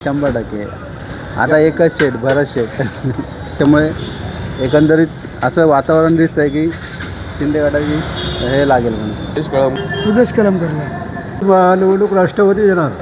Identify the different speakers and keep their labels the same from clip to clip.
Speaker 1: 100% आता एकच शेट भरत शेट त्यामुळे एकंदरीत असं वातावरण दिसतंय की शिंदे गटाची हे लागेल म्हणून
Speaker 2: सुदेश कलमकरला
Speaker 1: निवडणूक राष्ट्रवादी येणार.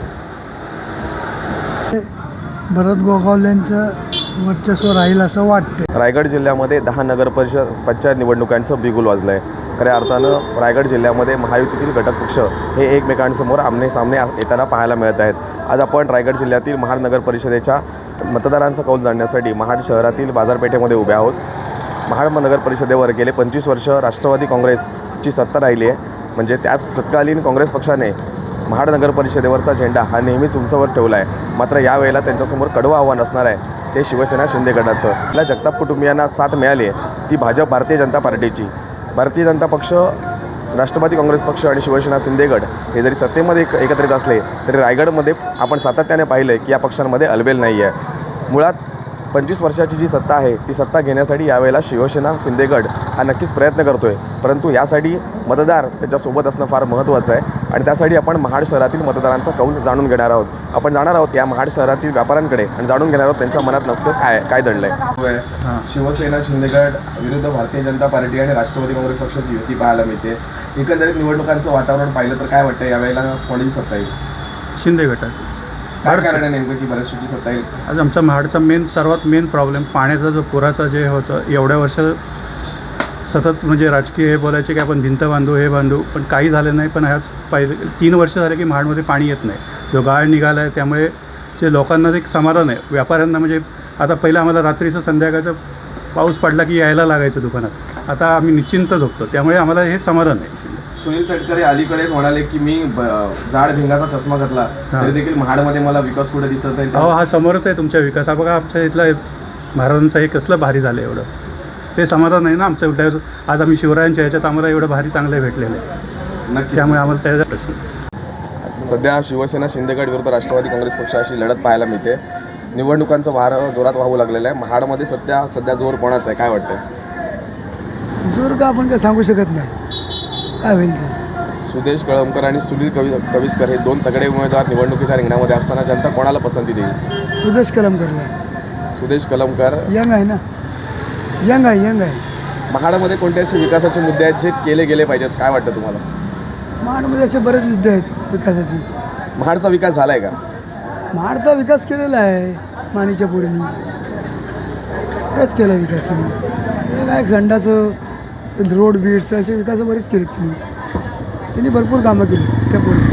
Speaker 2: भरत गोगावलेंचं वर्चस्व राहील असं वाटतं.
Speaker 3: रायगड जिल्ह्यामध्ये 10 नगरपरिषद पंचायत निवडणुकांचं बिगुल वाजलं आहे. खऱ्या अर्थानं रायगड जिल्ह्यामध्ये महायुतीतील घटक पक्ष हे एकमेकांसमोर आमने सामने येताना पाहायला मिळत आहेत. आज आपण रायगड जिल्ह्यातील महाड नगर परिषदेच्या मतदारांचा कौल जाणण्यासाठी महाड शहरातील बाजारपेठेमध्ये उभे आहोत. महाड नगर परिषदेवर गेले 25 वर्ष राष्ट्रवादी काँग्रेसची सत्ता राहिली आहे. म्हणजे त्याच तत्कालीन काँग्रेस पक्षाने महाड नगर परिषदेवरचा झेंडा हा नेहमीच उंचावर ठेवला आहे. मात्र यावेळेला त्यांच्यासमोर कडवं आव्हान असणार आहे ते शिवसेना शिंदे गटाचं. आपल्या जगताप कुटुंबियांना साथ मिळाली आहे ती भाजप भारतीय जनता पार्टीची. भारतीय जनता पक्ष, राष्ट्रवादी काँग्रेस पक्ष आणि शिवसेना शिंदे गट हे जरी सत्तेमध्ये एकत्रित असले तरी रायगडमध्ये आपण सातत्याने पाहिलं आहे की या पक्षांमध्ये अलबेल नाही आहे. मुळात 25 वर्षाची जी सत्ता आहे ती सत्ता घेण्यासाठी यावेळेला शिवसेना शिंदे गट हा नक्कीच प्रयत्न करतो आहे. परंतु यासाठी मतदार त्याच्यासोबत असणं फार महत्त्वाचं आहे आणि त्यासाठी आपण महाड शहरातील मतदारांचा कौल जाणून घेणार आहोत. आपण जाणार आहोत या महाड शहरातील व्यापाऱ्यांकडे आणि जाणून घेणार आहोत त्यांच्या मनात नक्की काय दडलं आहे. शिवसेना शिंदे गट विरुद्ध भारतीय जनता पार्टी आणि राष्ट्रवादी काँग्रेस पक्षाची युती पाहायला मिळते. एकंदरीत निवडणुकांचं वातावरण पाहिलं तर काय वाटतं यावेळेला कोणाची सत्ता येईल?
Speaker 2: शिंदे गटात.
Speaker 3: काय कारण आहे नेमकं की बऱ्याचशी सत्ता येईल?
Speaker 2: आज आमचा महाडचा सर्वात मेन प्रॉब्लेम पाण्याचा जो पुराचा जे होतं एवढ्या वर्ष सतत म्हणजे राजकीय हे बोलायचे की आपण भिंत बांधू हे बांधू पण काही झालं नाही. पण आज पहिले 3 वर्ष झाले की महाडमध्ये पाणी येत नाही. जो गाळ निघाला आहे त्यामुळे जे लोकांना एक समाधान आहे. व्यापाऱ्यांना म्हणजे आता पहिलं आम्हाला रात्रीचं संध्याकाळचं पाऊस पडला की यायला लागायचं दुकानात. आता आम्ही निश्चिंत झोपतो त्यामुळे आम्हाला हे समाधान आहे.
Speaker 3: सुनील तटकरे अलीकडेच म्हणाले की मी जाड भिंगाचा चष्मा घातला तरी देखील महाडमध्ये मला विकास कुठे दिसत आहे.
Speaker 2: हो, हा समोरच आहे तुमच्या विकास. हा बघा आमच्या इथला महाराजांचा हे कसलं भारी झालं एवढं ते समाधान आहे ना आमच्या उद्या. आज आम्ही शिवरायांच्या ह्याच्यात आम्हाला एवढं भारी चांगलं भेटलेलं आहे.
Speaker 3: नक्की.
Speaker 2: त्यामुळे आम्हाला त्याचा प्रश्न.
Speaker 3: सध्या शिवसेना शिंदे गट विरुद्ध राष्ट्रवादी काँग्रेस पक्षाशी लढत पाहायला मिळते. निवडणुकांचं वारं जोरात वाहू लागलेलं आहे. महाडमध्ये सध्या जोर कोणाचा आहे काय वाटतं?
Speaker 2: जोर का आपण काय सांगू शकत नाही काय होईल ते.
Speaker 3: सुदेश कळमकर आणि सुनील कविस्कर हे 2 तगडे उमेदवार निवडणुकीच्या रिंगणामध्ये असताना जनता कोणाला पसंती देईल?
Speaker 2: सुदेश कलमकरला.
Speaker 3: सुदेश कलमकर
Speaker 2: यंग आहे ना, यंग आहे.
Speaker 3: महाडमध्ये कोणते असे विकासाचे मुद्दे आहेत जे केले गेले पाहिजेत काय वाटतं तुम्हाला?
Speaker 2: महाडमध्ये असे बरेच मुद्दे आहेत विकासाचे.
Speaker 3: महाडचा विकास झालाय का?
Speaker 2: महाडचा विकास केलेला आहे मानेच्या पोरींनी बरेच केला विकास त्यांनी. काय संडाचं रोड बीड्स असे विकास बरेच केले त्यांनी भरपूर कामं केली त्या पोरी.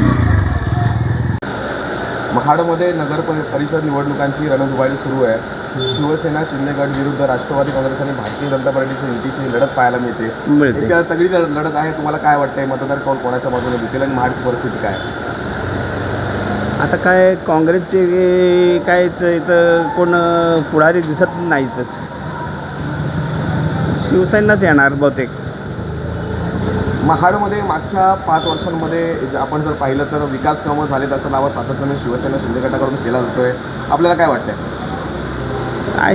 Speaker 3: महाडमध्ये नगर परिषद निवडणुकांची रणधुमाळी सुरू आहे. शिवसेना शिंदे गट विरुद्ध राष्ट्रवादी काँग्रेस आणि भारतीय जनता पार्टीची युतीची लढत पाहायला मिळते. एक तगडी लढत आहे. तुम्हाला काय वाटतंय मतदार कौल कोणाच्या बाजूने देतील आणि महाडची परिस्थिती काय?
Speaker 1: आता काय काँग्रेसचे काय इथं कोण पुढारी दिसत नाहीतच. शिवसेनाच येणार बहुतेक.
Speaker 3: महाडमध्ये मागच्या 5 वर्षांमध्ये आपण जर पाहिलं तर विकास कामं झालेत असा दावा सातत्याने शिवसेना शिंदे गटाकडून केला जातोय. आपल्याला काय वाटतंय?
Speaker 1: काय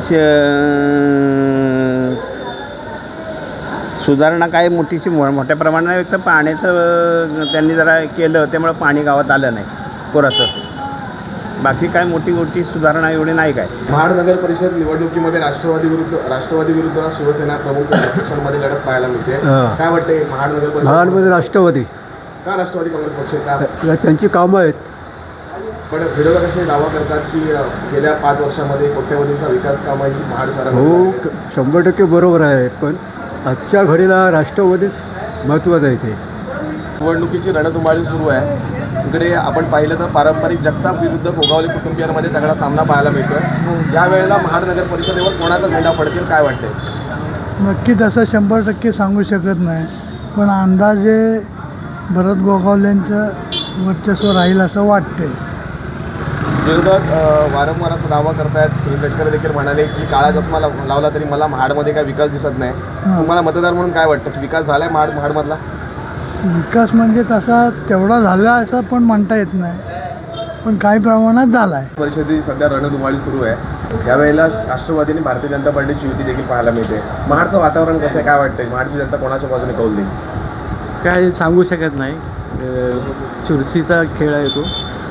Speaker 1: सुधारणा काय मोठ्या प्रमाणात एक तर पाण्याचं त्यांनी जरा केलं त्यामुळे पाणी गावात आलं नाही पुराचं. बाकी काय मोठी सुधारणा एवढी नाही काय.
Speaker 3: महाड नगर परिषद निवडणुकीमध्ये राष्ट्रवादी विरुद्ध शिवसेना प्रमुख पक्षांमध्ये लढत पाहायला मिळते. काय वाटते महाड नगर परिषद?
Speaker 2: महाडमध्ये राष्ट्रवादी
Speaker 3: का राष्ट्रवादी काँग्रेस पक्ष का?
Speaker 2: त्यांची कामं आहेत.
Speaker 3: पण विरोधक असे दावा करतात की गेल्या 5 वर्षामध्ये कोट्यवधींचा विकास कामं ही महाड
Speaker 2: हो,
Speaker 3: शहरामध्ये
Speaker 2: 100% बरोबर आहे. पण आजच्या घडीला राष्ट्रवादीच महत्त्वाचं आहे. ते
Speaker 3: निवडणुकीची रणधुमाळी सुरू आहे. इकडे आपण पाहिलं तर पारंपरिक जगताप विरुद्ध गोगावले कुटुंबियांमध्ये तगडा सामना पाहायला मिळतोय. यावेळेला महाड नगर परिषदेवर कोणाचा झेंडा पडतील काय वाटते?
Speaker 2: नक्की तसं 100% सांगू शकत नाही. पण अंदाजे भरत गोगावलेंचं वर्चस्व राहील असं वाटते.
Speaker 3: विरोधक वारंवार असा दावा करतायत. सुनील तटकरे देखील म्हणाले की काळा चष्मा लावला तरी मला महाडमध्ये काय विकास दिसत नाही. तुम्हाला मतदार म्हणून काय वाटतं की विकास झालाय महाडमधला?
Speaker 2: विकास म्हणजे तसा तेवढा झाला असं पण म्हणता येत नाही. पण काही प्रमाणात झाला आहे.
Speaker 3: परिषदेची सध्या रणधुमाळी सुरू आहे. यावेळेला राष्ट्रवादी आणि भारतीय जनता पार्टीची युती देखील पाहायला मिळते. महाडचं वातावरण कसं आहे काय वाटतंय? महाडची जनता कोणाच्या बाजूने कौल देईल?
Speaker 4: काय सांगू शकत नाही. चुरशीचा खेळ आहे तो.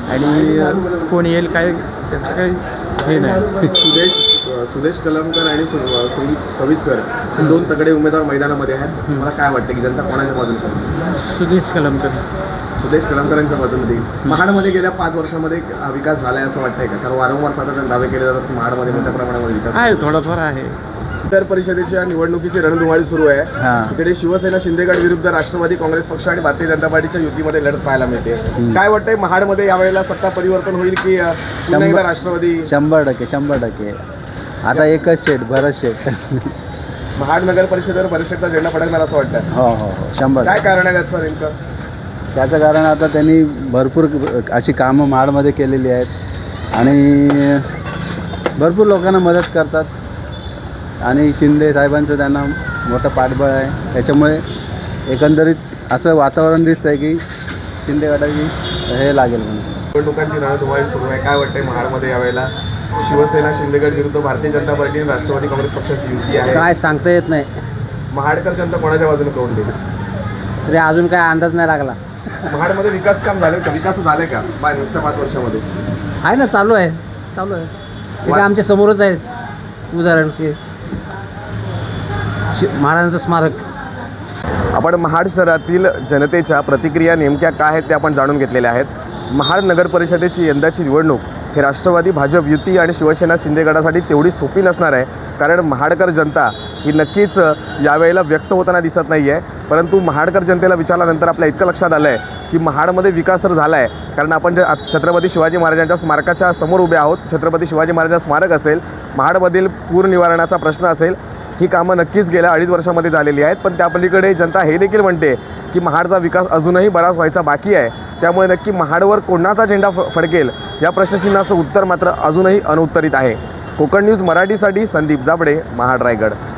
Speaker 4: आणि कोण येईल काय त्याचं काही हे नाही.
Speaker 3: सुदेश कलमकर आणि सुनील कविस्कर हे दोन तगडे उमेदवार मैदानामध्ये आहेत. मला काय वाटतं की जनता कोणाच्या बाजूने करेल?
Speaker 4: सुदेश कलमकर.
Speaker 3: सुदेश कलमकरांच्या बाजूने देईल. महाडमध्ये गेल्या 5 वर्षामध्ये विकास झाला आहे असं वाटतंय का? कारण वारंवार साधारण दावे केले जातात की महाडमध्ये मोठ्या प्रमाणामध्ये विकास
Speaker 4: आहे, थोडाफार आहे.
Speaker 3: विधान परिषदेच्या निवडणुकीची रणधुमाळी सुरू आहे.
Speaker 1: हां.
Speaker 3: इकडे शिवसेना शिंदेगड विरुद्ध राष्ट्रवादी काँग्रेस पक्ष आणि भारतीय जनता पार्टीच्या युतीमध्ये लढत पाहायला मिळते. काय वाटतंय महाडमध्ये यावेळेला सत्ता परिवर्तन होईल की पुन्हा एकदा राष्ट्रवादी?
Speaker 1: 100%. आता एकच शेट, भरत शेट.
Speaker 3: महाड नगर परिषदेवर परिषदचा झेंडा फडकणार असं वाटतं.
Speaker 1: हो हो हो 100.
Speaker 3: काय कारण आहे त्याचं नेमकं?
Speaker 1: त्याचं कारण आता त्यांनी भरपूर अशी कामं महाडमध्ये केलेली आहेत आणि भरपूर लोकांना मदत करतात आणि शिंदे साहेबांचं त्यांना मोठं पाठबळ आहे. त्याच्यामुळे एकंदरीत असं वातावरण दिसतं आहे की शिंदे गटाची हे लागेल म्हणून.
Speaker 3: निवडणुकांची रणधुमाळी सुरू आहे. काय वाटतंय महाडमध्ये यावेळेला शिवसेना शिंदेगड विरुद्ध भारतीय जनता पार्टी आणि राष्ट्रवादी काँग्रेस पक्षाची युती आहे.
Speaker 4: काय सांगता येत नाही.
Speaker 3: महाडकर जनता कोणाच्या बाजूने करून देईल?
Speaker 4: तरी अजून काय अंदाज नाही लागला.
Speaker 3: महाडमध्ये विकास काम झाले का? विकास झाले का मागच्या 5 वर्षामध्ये?
Speaker 4: आहे ना, चालू आहे. ते काय आमच्या समोरच आहे उदाहरण की महाराजांचं स्मारक.
Speaker 3: आपण महाड शहरातील जनतेच्या प्रतिक्रिया नेमक्या काय आहेत ते आपण जाणून घेतलेल्या आहेत. महाड नगर परिषदेची यंदाची निवडणूक हे राष्ट्रवादी भाजप युती आणि शिवसेना शिंदे गटासाठी तेवढी सोपी नसणार आहे. कारण महाडकर जनता ही नक्कीच यावेळेला व्यक्त होताना दिसत नाही आहे. परंतु महाडकर जनतेला विचारल्यानंतर आपल्या इतकं लक्षात आलं आहे की महाडमध्ये विकास तर झाला आहे. कारण आपण जे छत्रपती शिवाजी महाराजांच्या स्मारकाच्या समोर उभे आहोत. छत्रपती शिवाजी महाराजांचं स्मारक असेल, महाडमधील पूर निवारणाचा प्रश्न असेल, ही कामं नक्कीच गेल्या 2.5 वर्षामध्ये झालेली आहेत. पण त्या पलीकडे जनता हे देखील म्हणते की महाडचा विकास अजूनही बराच व्हायचा बाकी आहे. त्यामुळे नक्की महाडवर कोणाचा झेंडा फडकेल या प्रश्नचिन्हाचं उत्तर मात्र अजूनही अनुत्तरित आहे. कोकण न्यूज मराठीसाठी संदीप जाबडे, महाड, रायगड.